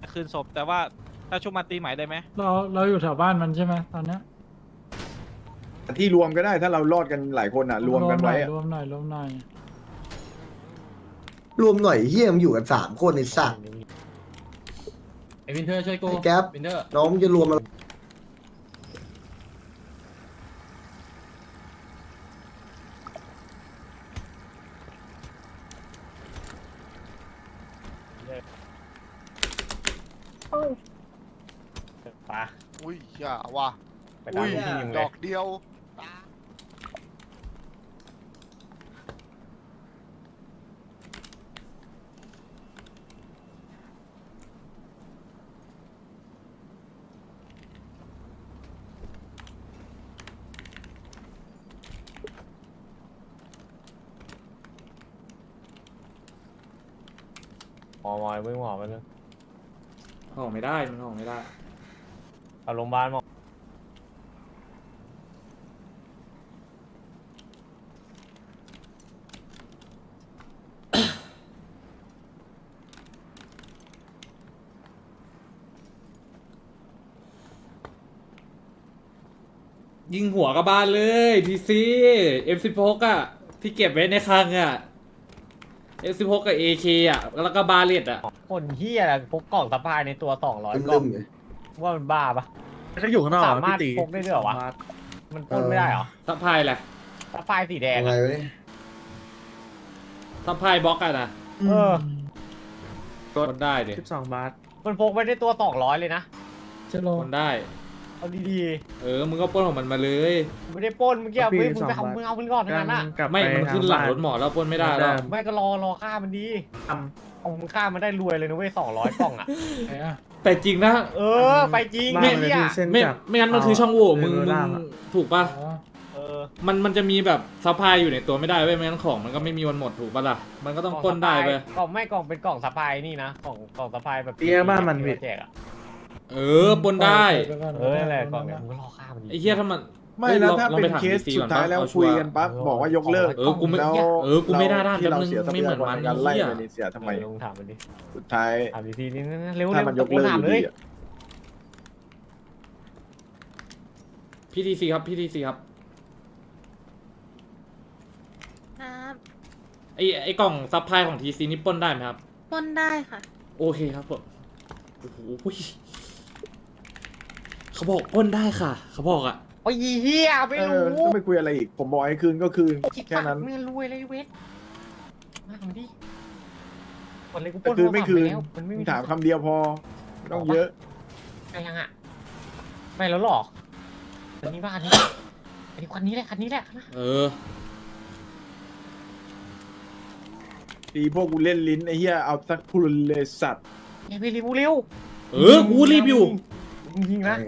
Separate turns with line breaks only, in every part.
คืนศพแต่ว่าถ้าชุบมาตีใหม่ได้ไหม
เราอยู่แถวบ้านมันใช่ไหมตอนเนี้ย
ที่รวมก็ได้ถ้าเรารอดกันหลายคนอ่ะรวมกันไว้อะ
รวมหน่อย
รวมหน่อยเฮียมนอยู่กัน3 คนในสัตว์
ไอ้วินเทอร์ช่วยกู
ไอ้แก๊ป
วินเทอร์
น้องมึงจะรวมอะไร
ปะ
อุ้ยอย่าว่ะ
ไปตาม
อุ้ย
ที่ยิง
ด
เลย
อกเดียว
หมอมึงหมอมันนึง
ออกไม่ได้มันออกไม่ได้
เอาโรงพยาบาลหมอ
ยิงหัวกระบาลเลยทีซี F16 อ่ะที่เก็บไว้ในคลังอ่ะ F16 กับ AK อ่ะแล้วก็บาเลตอ่ะ
คนเฮียอะไรพกกล่องสะพายในตัว200กล่
ลื
อง
มๆไง
ว่ามันบ้าปะ
เขาอยู่ข้างนอก
สามารถพกได้ด้วยเหรอวะมันพ่นไม่ได้เหรอ
ซัพพลายแหละ
สะพายสีแดง
ยังไง
อะ
วะเนี่ย
ซัพพลายบล็อกอ่ะนะ
เออ
คนได้ดิ
12 บาท
มันพกไปในตัว200เลยนะ
จะลง
คนได้
เอาดี
มึงก็ปล้นของมันมาเลย
ๆไม่ได้ปล้นเมื่อกี้มึงไปเอามึงเอามันก่อนทั้งนั้นอ่ะ
ไม่มันขึ้นหลังรถหมอแล้วปล้นไม่ได้แล้ว
ไม่ก็รอฆ่ามันดีเอามึงฆ่ามันได้รวยเลยนะเว้ย200กล่องอ่ะ
ไหนอ่ะ
แต่จริงนะ
เออไปจริง
ไม่
เนี่ย
ไม่งั้นมันคือช่องโหว่มึงถูกป่ะ
อ๋อ
เออ
มันจะมีแบบซัพพลายอยู่ในตัวไม่ได้เว้ยไม่งั้นของมันก็ไม่มีวันหมดถูกป่ะล่ะมันก็ต้องปล้นได้ไป
กล่องไม่กล่องเป็นกล่องสะพายนี่นะกล่องสะพายแบบ
เตี้ยบ้านมัน
ที่แจกอ่ะ
ปล้นได้
นั่นแหละกล่องเนี่ยมึงก็รอฆ่ามันดี
ไอ้เหี้ยถ้ามัน
ไม่แล้วถ้า
ลอง
เป็น
ถม
เคส
DC
สุดท้ายแล้วคุยกันปั๊บบอกว่ายกเลิก
กูไม่
แล้ว
กูไม่ได้ด้าน
ที่เรา
แป๊บนึง
เสียทรัพ
ไม่เหมื
ยา
อน
กร
มัน
ในการไล่
เหี้ย
ไปในเสียทำไม
ลองถามมันดิ
สุดท้าย
ถามทีนี่เร็ว
ถ้ามันยกเลิก
ถาม
อยู่
เล
ดี
ย
อะ
พี่ทีซีครับพี่ทีซีครับ
ครับ
ไอ้กล่องซัพพลายของทีซีนี่ปล้นได้ไหมครับ
ปล้นได้ค่ะ
โอเคครับผมโอ้โหเขาบอกปล้นได้ค่ะ เขาบอกอ่ะ
โอ้ยเฮียไม่รู้
ก็ไม่คุยอะไรอีก ผมบอกให้คืนก็คืนแค่นั้น
ไม่รวยเลยเวทมาทำดิคนเลยกูป
แต่
ล้น
คืนไม่คืน
แล้วมันไม่มี
ถามคำเดียวพอไม่ต้องเยอะ
ไงยังอ่ะไม่แล้วหรออันนี้บ้านนี้อันนี้คันนี้แหละคันนี้แหละ
เออ
ตีพวกกูเล่นลิ้นไอ้เหี้ยเอาสักพูดเลยสัตว์
อย่าไปรีบเร็ว
กูรีบอยู่
ยิงนะ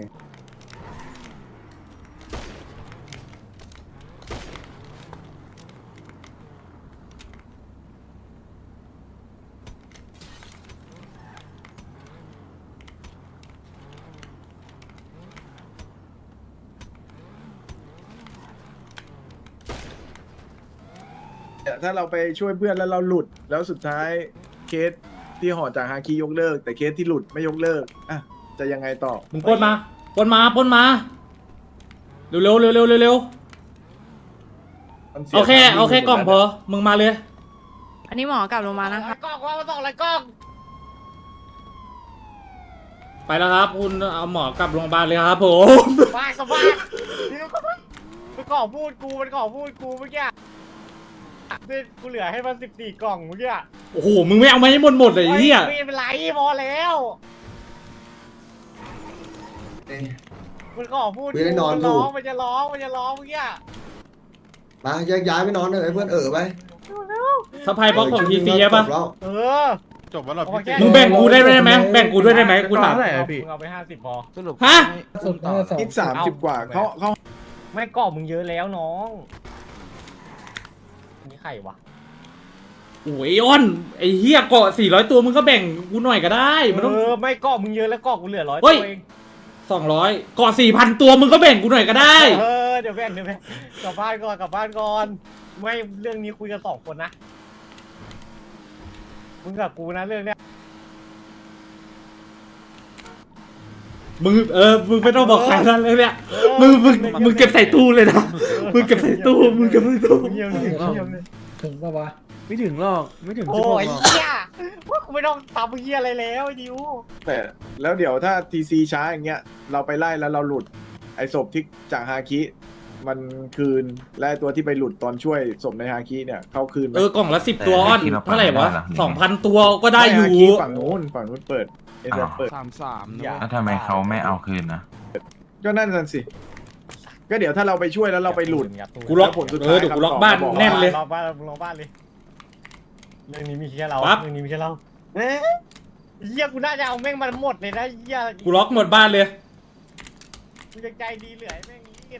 ถ้าเราไปช่วยเพื่อนแล้วเราหลุดแล้วสุดท้ายเคสที่ห่อจากฮาคิยกเลิก แต่เคสที่หลุดไม่ยกเลิกอ่ะจะยังไงต่อ
มึงปล้นมาปล้นมาเร็วเร็ว
มันสีย
เอาแค่
วม
กล่องพอมึงมาเลย
อันนี้หมอกลับลงมานะคะ
กล้องว่ามาส่งอะไรกล้อง
ไปแล้วครับ คุณเอาหมอกลับโรงพยาบาลเลยครับผม
บ้านกับบ้านเดี๋ยวมันก่อพูดกูเมื่อกี้กูเหลือให้มัน14 กล่องเมื่อกี้
โอ้โหมึงไม่เอามาให้หมดเลยไอ้เหี้ย
ไม่เป็นไรพอแล้ว
เอ้ย
มันก่อพูด
ไม่ได้นอน
มัน
ถู
ร้
ก
องมันจะร้องเมื่อกี้
มาแยกย้ายไปนอนเลยเพื่อนไป
ซัพพลายบล็อกของทีซีใช่ปะ
จบแล้ว
เออ
จบแล้วเหรอ
โอเค
พี่
มึงแบ่งกูได้ไหมแบ่งกูด้วยได้ไหมกูถาม
เท่าไหร่อะพี่
มึงเอาไป50พอ
สรุป
ฮะ
สุดท้ายสอง
คิด30 กว่าเขา
ไม่ก่อมึงเยอะแล้วน้องอันนี่ใครวะ
โอ้ยอ้อนไอ้เหี้ยเกาะ400 ตัวมึงก็แบ่งกูหน่อยก็ได้มันต้อง
ไม่ก่อมึงเยอะแล้วก่อกูเหลือ100
เฮ้
ตั
ย
วเอง
200เกาะ4,000 ตัวมึงก็แบ่งกูหน่อยก็ได้
เดี๋ยวแบ่งกลับบ้านก่อนไม่เรื่องนี้คุยกัน2 คนนะมึงกับกูนะเรื่องเนี้ย
มึงไม่ต้องบอกใครนั่นเลยเนี่ยมึงเก็บใส่ตู้เลยนะมึงเก็บใส่ตู้
เงียบเลยเงียบเลย
ถึงปะวะ
ไม่ถึงหรอกไม่ถึง
โอ้
16
ย
หรอก
เหี้ยว่ากูไม่ต้องทำเหี้ยอะไรแล้วไอ้ดิว
แต่แล้วเดี๋ยวถ้าทีซีช้าอย่างเงี้ยเราไปไล่แล้วเราหลุดไอ้ศพที่จากฮาคิมันคืนและไอ้ตัวที่ไปหลุดตอนช่วยศพในฮาคิเนี่ยเขาคืนไหม
กล่องละ10 ตัวอ้อนเท่าไหร่วะ 2,000 ตัวก็ได้อยู่
ฮาคิฝั่งนู้นเปิดเอเดเปิด
อย่า
แล้วทำไมเขาไม่เอาคืนนะ
ก็นั่นน่ะสิ ก็เดี๋ยวถ้าเราไปช่วยแล้วเราไปหลุด
กูล็อก
แล้วผลสุดท้าย
เดี๋ยวกูล็อกบ้าน
คำตอบ
แน่นเลย
รอบ้านรอบ้านเลยเรื่องนี้มีแค่เรา
ปั๊บ
เรื่องนี้มีแค่เราเอ๊ะเหี้ยกูน่าจะเอาแม่งมันหมดเลยนะเหี้ย
กูล็อกหมดบ้านเลย
กูจะใจดีเหลือให้แม่งนี้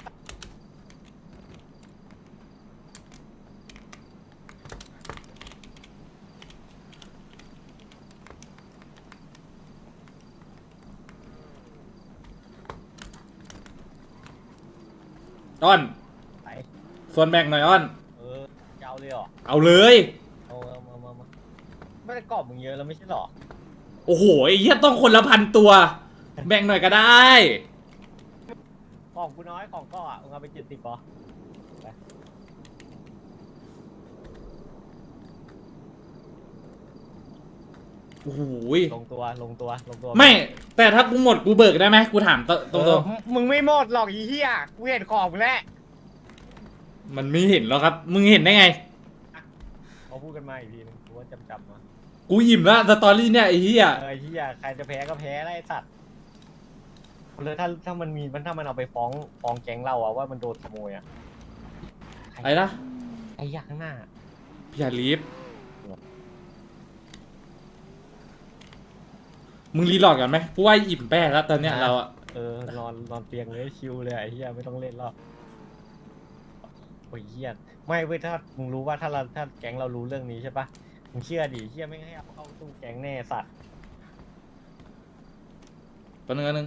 อ้อน
ไป
ส่วนแบ่งหน่อยอ้อน
จะเอาเลยเหรอ
เอาเลย
เอามาไม่ได้กรอบมึงเยอะแล้วไม่ใช่เหรอ
โอ้โหไอ้เหี้ยต้องคนละ1,000 ตัว แบ่งหน่อยก็ได้
ของกูน้อยของก็อ่ะมึงเอาไป70ปะ
โอ้โห
ลงตัว
ไม่ แต่ถ้ากูหมดกูเบิกได้ไหมกูถามตรง
มึงไม่หมดหรอกอีเหี้ยกูเห็นของมึงแล้ว
ๆมันไม่เห็นแล้วครับ มึงเห็นได้ไง
เขาพูดกันมาอีกทีนึงกูว่าจำมา
กูอิ่มแล้วสตอรี่เนี่ยไอ้เหี้ย
ไอ้เหี้ยใครจะแพ้ก็แพ้ไอ้สัตว์เลยถ้ามันมีถ้ามันเอาไปฟ้องแก๊งเราอะว่ามันโดนขโมยอะ
ไอ้นะ
ไอ้ยักษ์ข้างหน้า
อย่าลีฟมึงรีโหลดกันไหมกูว่าอิ่มแป้แล้วตอนเนี้ยเราอะ
นอนเตียงเลยชิวเลยไอ้เหี้ยไม่ต้องเล่นหรอกโอ้ยเหี้ยไม่เว้ยถ้ามึงรู้ว่าถ้าแก๊งเรารู้เรื่องนี้ใช่ปะมึงเชื่อดิเหี้ยไม่ให้เอาเข้าตู้แก๊งแน่สัตว์
ตัวนึง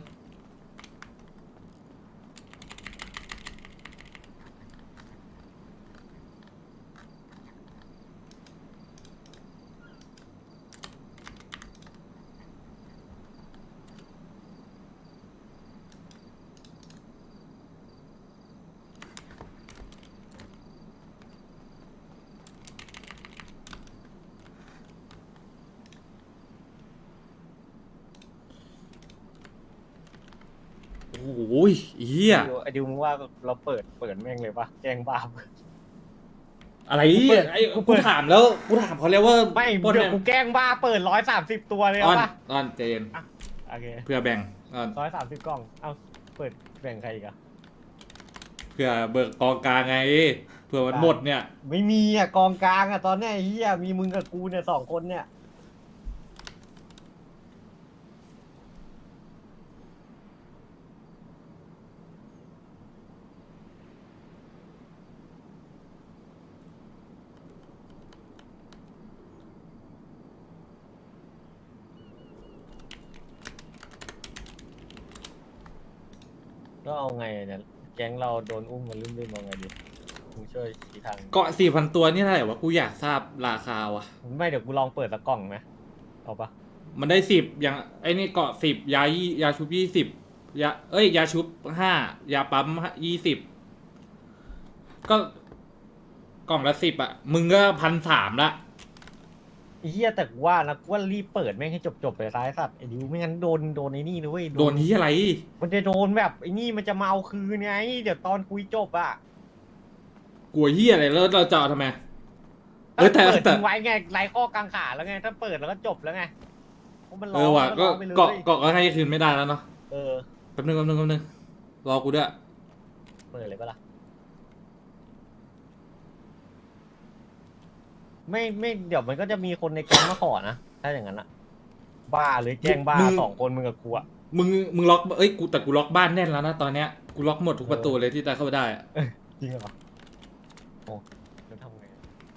โอ้โหเหี้ย
ไอ้ดิวมึงว่าเราเปิดแม่งเลยปะแกล้งบ้า
อะไร ไอ้
กูเปิ
กู
ด
ถามแล้วกูถามเขาแล้วว่า
ไม่
ปล้น
เดี๋ยว
เนี่ย
กูแกล้งบ้าเปิด130ตัวเลย
อ้อน
เอาปะ
อ้อนใจเย็น
โอเค
เพื่อแบ่งอ้อน
130กล่องเอาเปิดแบ่งใครอีกอะ
เพื่อเบิกกองกลางไงเผื่อมันหมดเนี่ย
ไม่มีอะกองกลางอะตอนเนี้ยไอ้เฮียมีมึงกับกูเนี่ย2 คนเนี่ยก็เอาไงอะเนี่ยแก๊งเราโดนอุ้มมาลืมๆเอาไงดีมึงช่วยชี้ทาง
เกาะ4,000 ตัวนี่เท่าไหร่วะกูอยากทราบราคาว่ะ
ไม่เดี๋ยวกูลองเปิดสักกล่องไหมเอาปะ
มันได้10อย่างไอ้นี่เกาะ10ยาชุบ20ยาชุบ5ยาปั๊ม20ก็กล่องละ10อ่ะมึงก็1,300ละ
ไอ้เฮียแต่กูว่านะกูว่ารีบเปิดแม่งให้จบไปซ้ายสัตว์ไอ้ดิวไม่งั้นโดนไอ้นี่นะเว้ย
โดนที่อะไร
มันจะโดนแบบไอ้นี่มันจะมาเอาคืนไงเดี๋ยวตอนคุยจบอะ
กลัวเฮียอะไรแล้วเราจะเอาทำไม
ถ้า
แต่
เปิด
แต่
ทิ้งไว้ไงไร้ข้อกังขาแล้วไงถ้าเปิดแล้วก็จบแล้วไงเพราะมันร้
เออว่ะ
มัน
ก็
ร้องไปเลย
เกาะก็ให้คืนไม่ได้แล้วเนาะ
เออ
แป๊บนึงรอกูด้วย
เปิดเลยปะล่ะไม่เดี๋ยวมันก็จะมีคนในแก๊งมาขอนะถ้าอย่างนั้นอะบ้าเลยแกล้งบ้า2 คนมึงกับกูอะ
มึงล็อกแต่กูล็อกบ้านแน่นแล้วนะตอนเนี้ยกูล็อกหมดทุกประตูเลยที่จะเข้าไปได้อะ
จริงเหรอโอ้แล้วทำไง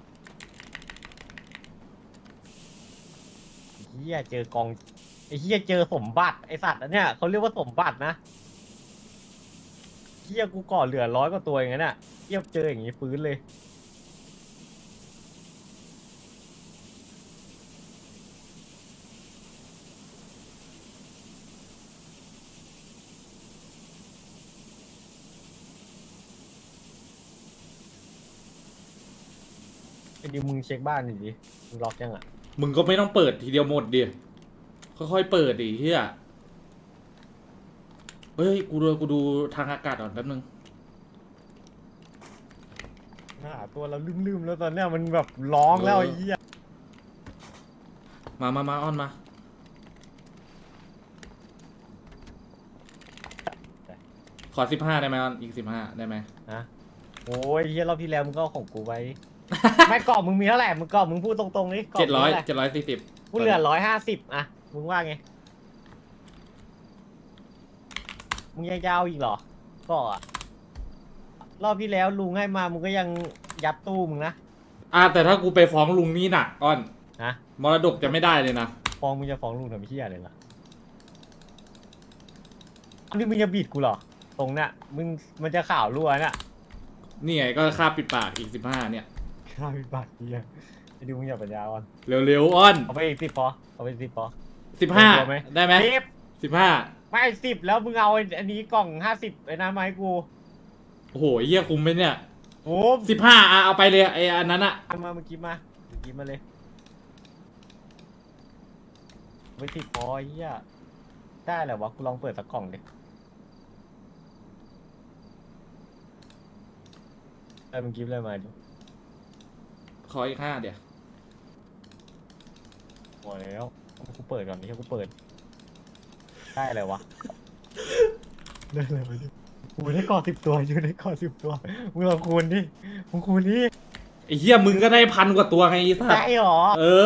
เฮียเจอกองไอ้เฮียเจอสมบัติไอสัตว์อันเนี้ยเขาเรียกว่าสมบัตินะเฮียกูก่อเหลือ100 กว่าตัวอย่างนั้นอ่ะเฮียเจออย่างงี้ฟื้นเลยไอ้ดิวมึงเช็คบ้านหน่อยดิมึงล็อกยังอ่ะ
มึงก็ไม่ต้องเปิดทีเดียวหมดดิค่อยๆเปิดดิเฮียเฮ้ยกูดูทางอากาศก่อนแป๊บนึง
หาตัวเราลืมๆแล้วตอนเนี้ยมันแบบร้องแล้วไอ้เหี้ย
มาอ้อนมาขอ15ได้ไหมอ้อนอีก15ได้ไหม
นะโอ้ยเหี้ยรอบที่แล้วมึงก็เอาของกูไว้ ไม่กรอบมึงมีเท่าไหร่มึงกรอบมึงพูดตรงๆนี่กรอบมึงเท่าไหร่
740
กูเหลือ150อ่ะมึงว่าไงมึงยังจะเอาอีกเหรอก็อ่ะรอบที่แล้วลุงให้มามึงก็ยังยัดตู้มึงนะ
แต่ถ้ากูไปฟ้องลุงนี่หนักอ้อน
นะ
มรดกจะไม่ได้เลยนะ
ฟ้องมึงจะฟ้องลุงทำเหี้ยอะไรล่ะอันนี้มึงจะบีดกูเหรอตรงเนี้ยมึงมันจะข่าวรั่วเนี่ย
นี่ไงก็ค่าปิดปากอีก15เนี่ย
ข้ามีบัตรเหี้ยไอ้ดิวมึงอย่าปัญญาอ่อน
เร็วๆอ้อน
เอาไปอีก10พอเอาไป10พอ
15ได้ไหม
10
15
ไม่10แล้วมึงเอาอันนี้กล่อง50ไอ้น้ำมาให้กู
โอ้โหเหี้ยคุ้มไหมเนี่ย
โอ้
15เอาไปเลยไอ้อันนั้นอะ
มาเมื่อกี้มาเลยไป10พอไอ้เหี้ยได้แหละวะกูลองเปิดสักกล่องดิได้มึงกิฟต์อะไรมาดิ
ขออีก5เดี๋ยว
หมดแล้วกูเปิดก่อนนี่กูเปิดได้อะไรวะได้อะไรมาดิกูได้กอ10 ตัวอยู่ในกอ10 ตัวมึงลองคูณดิมึงคูณดิ
ไอ้เหี้ยมึงก็ได้1,000 กว่าตัวไงไอ้สัส
ได้หรอ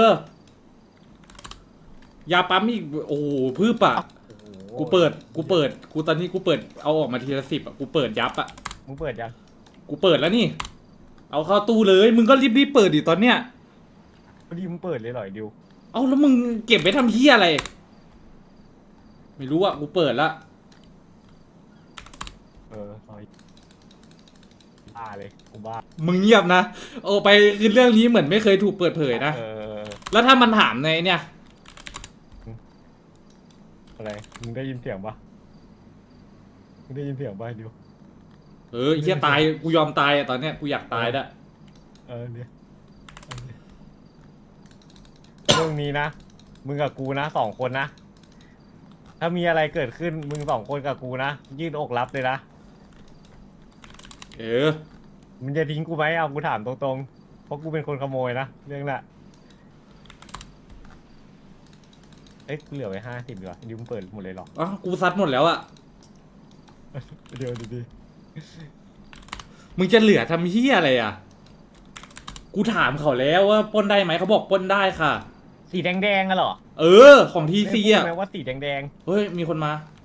ยาปั๊มอีกโอ้โหพืบอะกูเปิดกูตอนนี้กูเปิดเอาออกมาทีละ10อะกูเปิดยับอะ
มึงเปิดยัง
กูเปิดแล้วนี่ เอาเข้าตู้เลย มึงก็รีบเปิดดิตอนเนี้ย
พอดีมึงเปิดเลยเหรอไอ้ดิว
เอาแล้วมึงเก็บไว้ทำเหี้ยอะไร ไม่รู้อะกูเปิดละ
เอาอีกบ้าเลยกูบ้า
มึงเงียบนะโอ้ไปคือเรื่องนี้เหมือนไม่เคยถูกเปิดเผยนะ แล้วถ้ามันถามในเนี่ย
อะไรมึงได้ยินเสียงปะมึงได้ยินเสียงปะไอ้ดิว
ไอ้เหี้ยตายกูยอมตายอะตอนเนี้ยกูอยากตายละ
เนี่ยเรื่องนี้นะมึงกับกูนะ2 คนนะถ้ามีอะไรเกิดขึ้นมึง2 คนกับกูนะยื่นอกรับเลยนะ มึงจะทิ้งกูไหมเอากูถามตรงๆเพราะกูเป็นคนขโมยนะเรื่องน่ะเอ้ยกูเหลือไว้50ดีกว่าดิวมึงเปิดหมดเลยเหรอ
อ๋อกูซัดหมดแล้วอะ
เดี๋ยวดี
มึงจะเหลือทำเหี้ยอะไรอะกูถามเขาแล้วว่าปล้นได้ไหมเขาบอกปล้นได้ค่ะ
สีแดงๆอะเหรอ
ของทีซีอะ
ไม่พูดไหมว่าสีแดง
เฮ้ยมีคนมา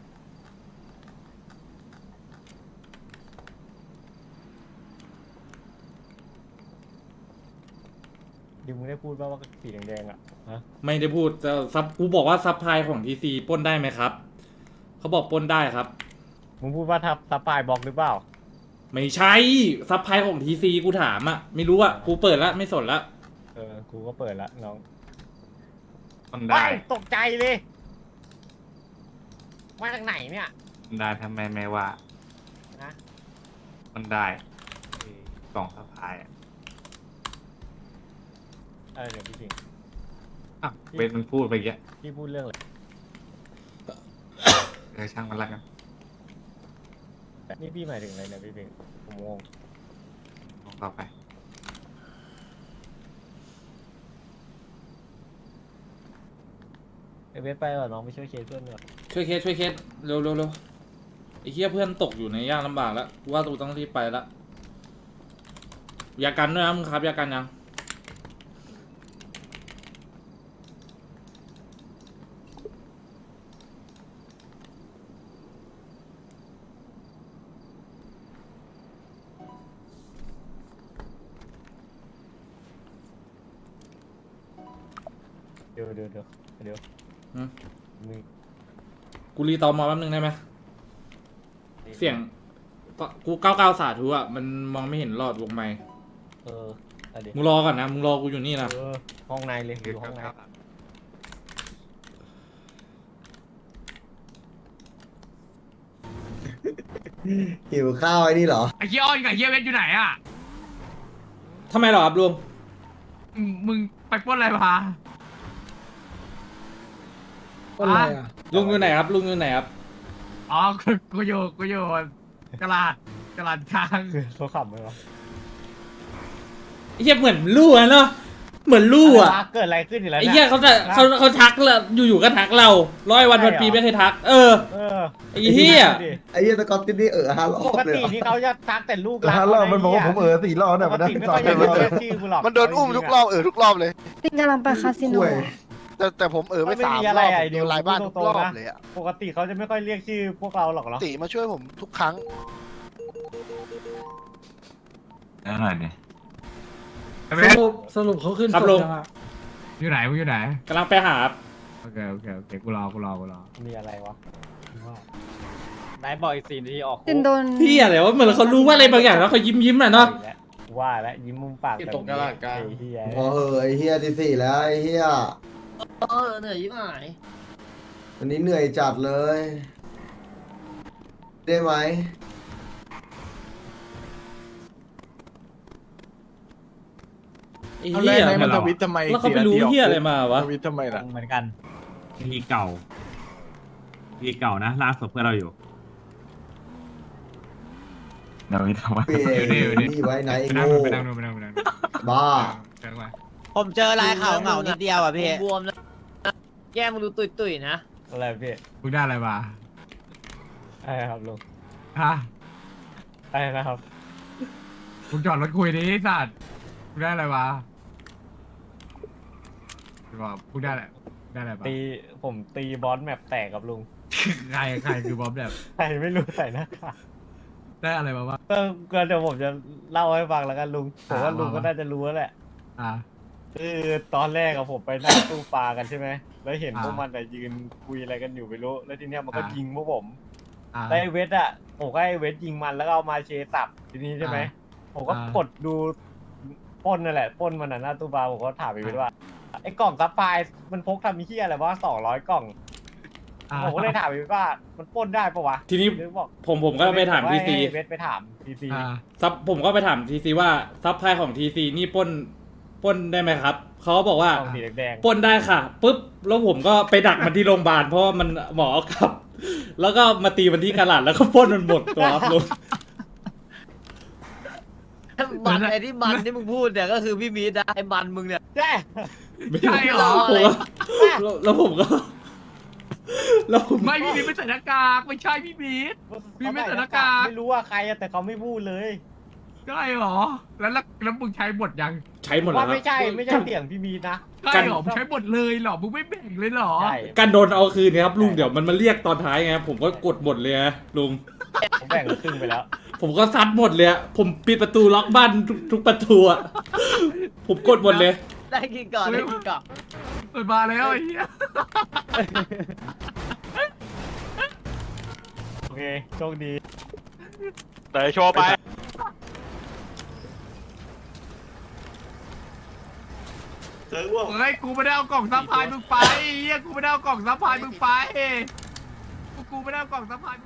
ดิวมึงได้พูดว่าสีแดงๆอะฮะ
ไม่ได้พูดแต่ซับกูบอกว่าซับพลายของทีซีปล้นได้ไหมครับเขาบอกปล้นได้ครับ
มึงพูดว่าทับปลายบล็อกหรือเปล่า
ไม่ใช่ซับพลายของทีซีกูถามอะไม่รู้อะกูเปิดแล้วไม่สนละ
กูก็เปิดละน้อง
มัน
ไป
ได้
ตกใจเลยมาจากไหนเนี่ย
มันได้ทำไมไม่ว่า
นะ
มันได้กล่องสะพายอ่ะ
เดี๋ยวพี่จริง
อ้าวเวทมันพูดไปแก
พี่พูดเรื่องอะไร
ช่างมันละกัน
นี่พี่หมายถึงอะไรเนี่ยพี่จริงผมงง
ลองต่อไป
เวทไปก่อนน้องไปช่วยเคสเพื่อนก่อน
ช่วยเคสเร็วไอ้เหี้ยเพื่อนตกอยู่ในยากลำบากแล้วกูว่าตูต้องรีบไปละยากันด้วยนะมึงครับยากันยัง
เดี๋ยวมึง
กูรีตอมอแป๊บนึงได้ไหมเสียงกู99 สาธุอะมันมองไม่เห็นหลอดวงไมค์
อะไร
มึงรอก่อนนะมึงรอกูอยู่นี่นะ
ห้องในเลยอยู่ห้องใน
หิวข้าวไอ้นี่เหรอ
ไอ้เหี้ยอ้อนกับเหี้ยเวทอยู่ไหนอ่ะ
ทำไมหรอครับลุง
มึงไปปล้นอะไรมา
ก็อะไรอ่ะ
ลุงอยู่ไหนครับลุงอยู่ไหนครับ
อ๋อกูอยู่กระลาดช้าง
คือเขาขับไหมวะ
ไอ้เหี้ยเหมือนลู่อะเนาะเหมือนลู่อะ
ไรวเกิดอะไรขึ้นอีกแล้ว
ไอ้
นี่
เหี้ยเขาทักเราอยู่ๆก็ทักเรา100 วันพันปีไม่เคยทัก
เออ
ไอ้เหี้ย
ไอ้เหี้ยสกอตตินนี่5 รอ
ป
บ
ก
เลย
ติ
เหรอ
ที่เขาจะทักแต่ลูก
5 รอบมันบอกว่าผม4 รอบเนี่ย
ป
มัน
ก
ได้
ติไม่
สอ
ค่อง ย
รอบ
เรียกชื่อกูหรอก
มันโดนอุ้มทุกรอบทุกรอบเลย
ปิงกำลังไปคาสิโน
ห่วย
แต่ผมไป
ไม่
3
มี
ร
อะไร
อบ
ไอ้
โด
เดียวน
ลายบ้านทุกรอบ
นะ
เลยอะ
ปกติเขาจะไม่ค่อยเรียกชื่อพวกเราหรอกเนาะ
ตีมาช่วยผมทุกครั้ง
แล้วหน่อยดิ
สรุปเขาขึ้น
ครับ
ศพ
ลุง
ยังอ่ะ
อยู่ไหนมึงอยู่ไหน
กำลังไปหาครับ
โอเคกูรอ
มีอะไรวะ
นายบอกอีก4 นาทีออก
ตินโดน
พี่อะไรวะเหมือนเขารู้ว่าอะไรบางอย่างแล้วเขายิ้มน่ะเนาะ
ว่าแล้วยิ้มมุมปากแบบนี้ไอ้เหี้ย
พอไอ้เหี้ยที่ 4 แล้วไอ้เหี้ย
เหนื่อยยิ่งหาย
วันนี้เหนื่อยจัดเลย ได้ไหม
ไอ้
เอา
เหี้
แล้ว
ย
ไหนมันทวิตทำไม
แล้วเขาไปรู้เหี้ยอะไรมาวะ
ทวิตทำไมล่ะ
เหมือนกัน
ทีเก่าทีเก่านะล่าสุดเพื่อนเราอยู่เดี๋ยวนี้ทำไม
เปลี่ยนนี่ไว้ไหนไอ้โง่
ไปนั่งดู
บ้า
เดินมา
ผมเจอลายขาวเหงานิดเดียวอ่ะพี่บวมแล้วแก้มมันดูตุยๆนะ
อะไรพี่
มึงได้อะไรมา
อะไรครับลุง
ฮะ
อะไรนะครับ
มึงจอดรถคุยดิไอ้สัตว์มึงได้อะไรมาบอกมึงได้อะไรมา
ผมตีบอสแมปแตกกับลุง
ใครคือบอมแบบ
ใครไม่รู้ใส่หน้ากาก
ได้อะไรมาบ้าง
ก็เดี๋ยวผมจะเล่าให้ฟังแล้วกันลุงผมว่าลุงก็น่าจะรู้แล้วแหละ
อ่า
คือตอนแรกอะผมไปนั่งตู้ปลากันใช่ไหม แล้วเห็น
อ่า
พวกมันแต่ยืนคุยอะไรกันอยู่ไม่รู้ แล้วทีเนี้ยมันก็
อ่ายิ
ยิงพวกผม
อ่า
แล้วไอ้เวทอะผมก็ไอ้เวทยิงมันแล้วก็เอามาเชสับทีนี้ใช่ไหม ผมก็
อ่าก
ดดูปล้นนั่นแหละปล้นมันน่ะหน้าตู้ปลาผมก็ถามไอ้เวทว่าไอ้กล่องซัพพลายมันพกทำมีเหี้ยอะไรวะ200 กล่อง
อ่า
ผมก็เลยถามไอ้เวทว่ามันปล้นได้ปะวะ
ทีนี้
เวทบอก
ผมก็ไปถามทีซี
ให้เวทไปถามทีซี
อ่า
ผมก็ไปถามทีซีว่าซับไพลายของทีซีนี่ปล้นได้ไหมครับเขาก็บอกว่า
กล่องสีแดง
ปล้นได้ค่ะปุ๊บแล้วผมก็ไปดักมันที่โรงพยาบาลเพราะว่ามันหมอเอากลับ แล้วก็มาตีมันที่กระหลัดแล้วก็ปล้นมันหมดตัวครับลุง
บันไอ้ที่บันที่มึงพูดเนี่ยก็คือพี่มีดนะไอ้บันมึงเนี่ย
ใช่
ใช่เหรอ
ผมก็แล้วผมก็ แล้วผม
ไม่พี่ไม่ใส่หน้ากากไม่ใช่พี่บีท พี่ไม่ใส่หน้ากาก
ไม่รู้ว่าใครอะแต่เขาไม่พูดเลย
ใช่เหรอแล้วมึงใช้บทยัง
ใช้หมดแล้ว
ว่า
ครับ
ไม่ใช่เสียงพี่มีนะ
ใช่เหรอมึงใช้บทเลยเหรอมึงไม่แบ่งเลยเหรอ
ใช่
การโดนเอาคืนเนี่ยครับลุงเดี๋ยวมันมาเรียกตอนท้ายไงผมก็กดหมดเลยนะลุง
ผมแบ่งครึ่งไปแล้ว
ผมก็ซัดหมดเลยอะผมปิดประตูล็อกบ้านทุกประตูอะผมกดหมดเลย
ได้กินก่อนได้กินก่อน
เปิดมาแล้วไอ้เหี้ย
โอเคโชคดี
แต่โชว์ไป
เฮ้ยกูไม่ได้เอากล่องซัพพลายมึงไปเฮียกูไม่ได้เอากล่องซัพพลายมึงไปกูไม่ได้เอากล่องซัพพลาย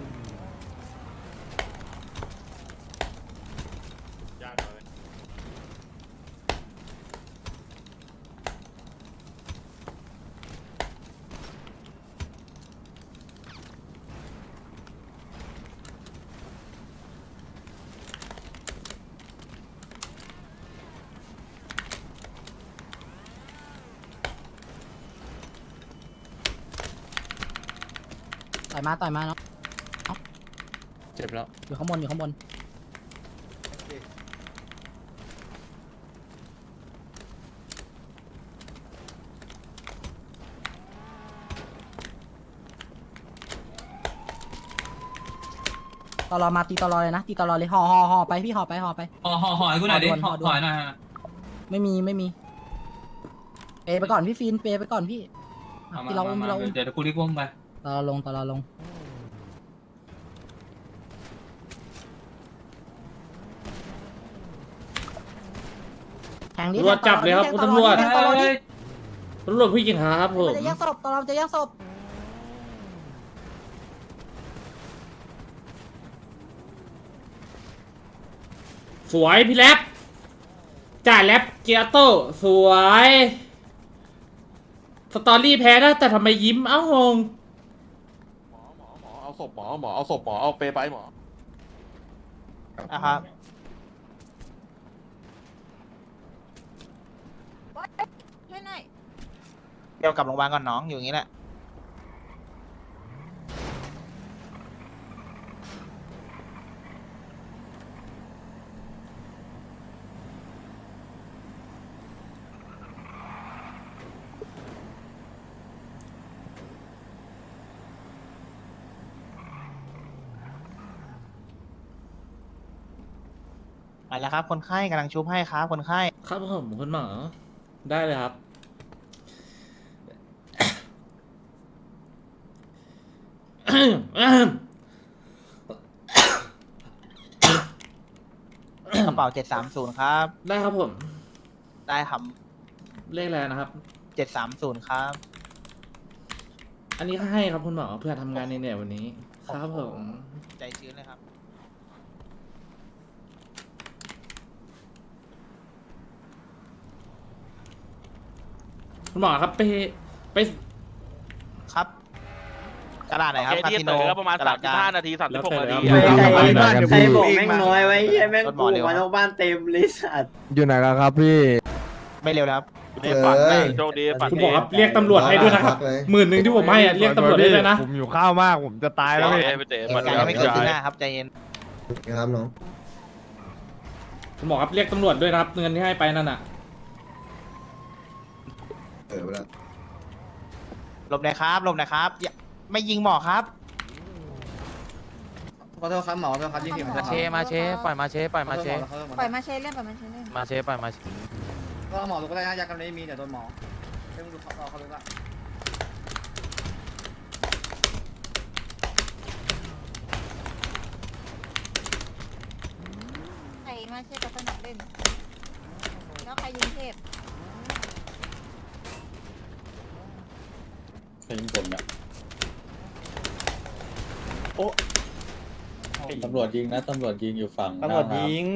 ต่อยมาเนาะ
เจ็บแล้ว
อยู่ข้างบนตลอมาตีตลอเลยนะตีตลอเลยห่อไปพี่ห่อไปห่อให้กูหน่อยดิห่อหน่อยไม่มีเปไปก่อนพี่ฟินเปไปก่อนพี่ที่เราอุ้มเดี๋ยวกูรีบอุ้มไปตลอลงแทงดิ
ตำรวจจับเลยครับคุณตำรวจ
แทงตลอดิ
ตำรวจผู้หญิงครับผม
มันจะแย่งศพตลอจะแย่งศพ
สวยพี่แรปจ่ายแรปเกียร์โต้สวยสตอรี่แพ้นะแต่ทำไมยิ้มเอ้างง
เอาศพหมอเอาศพหมอเอาเปไปหมอ
นะครับ
ช่วยหน่อย
เดี๋ยวกลับโรงพยาบาลก่อนน้องอยู่อย่างนี้แหละ มาแล้วครับคนไข้กำลังชุบให้ครับคนไข้
ครับผมคุณหมอได้เลยครับ
กระเป๋า730ครับ
ได้ครับผม
ได้ครับ
เลขอะไรนะครับ
730ครับ
อันนี้ให้ครับคุณหมอเพื่อทำงานในเนี่ยวันนี้ ครับผม
ใจชื้นเลยครับ
คุณหมอครับไป
ครับกระดาษไหนครับคาสิโนประมาณ35 นาที
แล้วแต่แล้ว
ใครบอกแม่งน้อยไว้แม่งกูมาทั้งบ้านเต็มเลยสัตว์
อยู่ไหนกันครับพี่
ไม่เร็วแล้วครับ
เอ้ย
โชคดีฝัน
คุณหมอครับเรียกตำรวจให้ด้วยนะครับ
เลย
10,000ที่ผมให้อะเรียกตำรวจได้เลยนะ
ผมอยู่ข้าวมากผมจะตายแล้วพี่
เหตุการณ์ยังไม่เกิดขึ้นหน้าครับใจเย็น
ครับน้อง
คุณหมอครับเรียกตำรวจด้วยนะครับเงินที่ให้ไปนั่นน่ะ
ไปแล้ว
หลบหน่อยครับหลบหน่อยครับอย่าไม่ยิงหมอครับ
ขอโทษครับหมอขอโทษครับยิ่งผิด
มาเชปล่อยมาเชเล่นปล่อยมาเชเล่น
มาเชก็หมอรู้ก็ได้นะยากันไม่มีเดี๋ยวโดนหมอให้มึงดูเขารู้ละ
ใครมาเชกับสนามเล่นแล้วใครยิงเทพ
ใครยิงผมเนี่ยโอ้ตำรวจยิงนะตำรวจยิงอยู่ฝั่งตำรวจยิง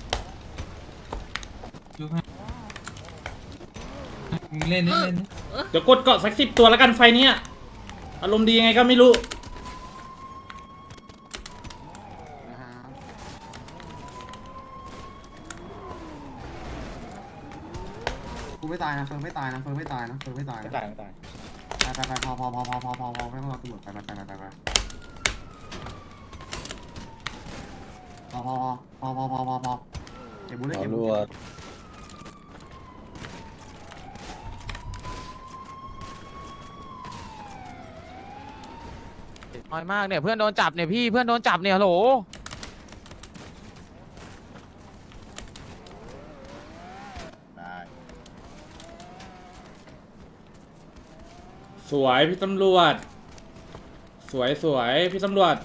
เล่นเดี๋ยวกดเกาะสัก10 ตัวแล้วกันไฟเนี้ยอารมณ์ดียังไงก็ไม่รู้
กูไม่ตายนะเฟิร์นไม่ตายนะเฟิร์นไม่ตายนะเฟิร์นไม่ตาย
ไม่ตายไม่ตาย
ไปพอไม่ต้องรอตำรวจไปพอเก็บบุญเลย
ขอ
เก็บ
รั
บุญ
ว
น้อยมากเนี่ยเพื่อนโดนจับเนี่ยพี่เพื่อนโดนจับเนี่ยฮัลโหล
สวยพี่ตำรวจ สวยพี่ตำรวจ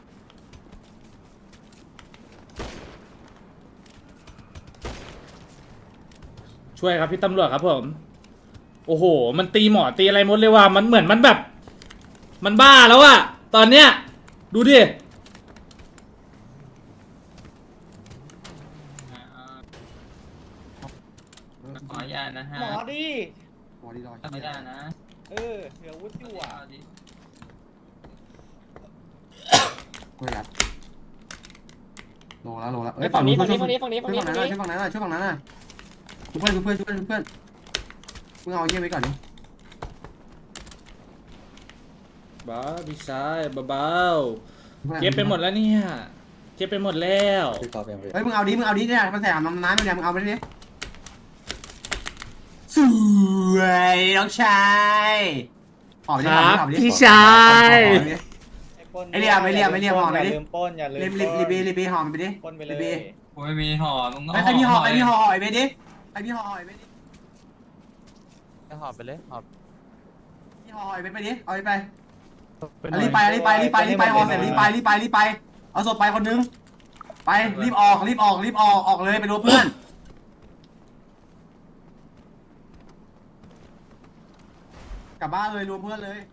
ช่วยครับพี่ตำรวจครับผม โอ้โห มันตีหมอตีอะไรหมดเลยว่ะมันเหมือนมันแบบ มันบ้าแล้วอะตอนเนี้ยดูดิ
ขออนุญาตนะฮะ
หมอดิ
ขออนุญาตนะ
เดี๋ยววุ้นอยู่อ่ะ
กูยัดโลแล้วเอ้ยฝั่งนี้ช่วยฝั่งนั้นช่วยฝั่งนั้นช่วยฝั่งนั้นเพื่อนมึงเอาเยี่ยไว้ก่อนดิ
บ้าพี่ชายเบาๆเก็บไปหมดแล้วเนี่ยเก็บไปหมดแล้ว
พี่ขอเพียง
เฮ้ยมึงเอาดิเนี่ยมาใส่น้ำน้ำเนี่ยมึงเอาไปดิสวยน้องชายหอมดิ
ครับพี่ชาย
ไอเรียมหอมไปดิ
อย่าลืมปล้นอย่าลืม
รีบีหอมไปดิ
ปล้นไปเลย
โอ้ยมีหอมไอพี่หอมไอพี่หอมไอเบดิไอพี่หอมไอเบดิหอมไปเลยหอมพี่หอมไอเบไปดิเอาไปรีบไปหอมเสร็จรีบไปเอาศพไปคนนึงไปรีบออกเลยไปดูเพื่อนกลับบ้านเลยรวมเพื่อนเลย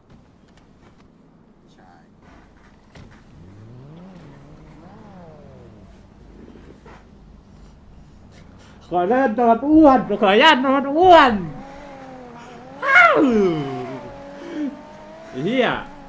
ขออนุญาตนอนอ้วนขออนุญาตนอนอ้วนอ้าวเฮีย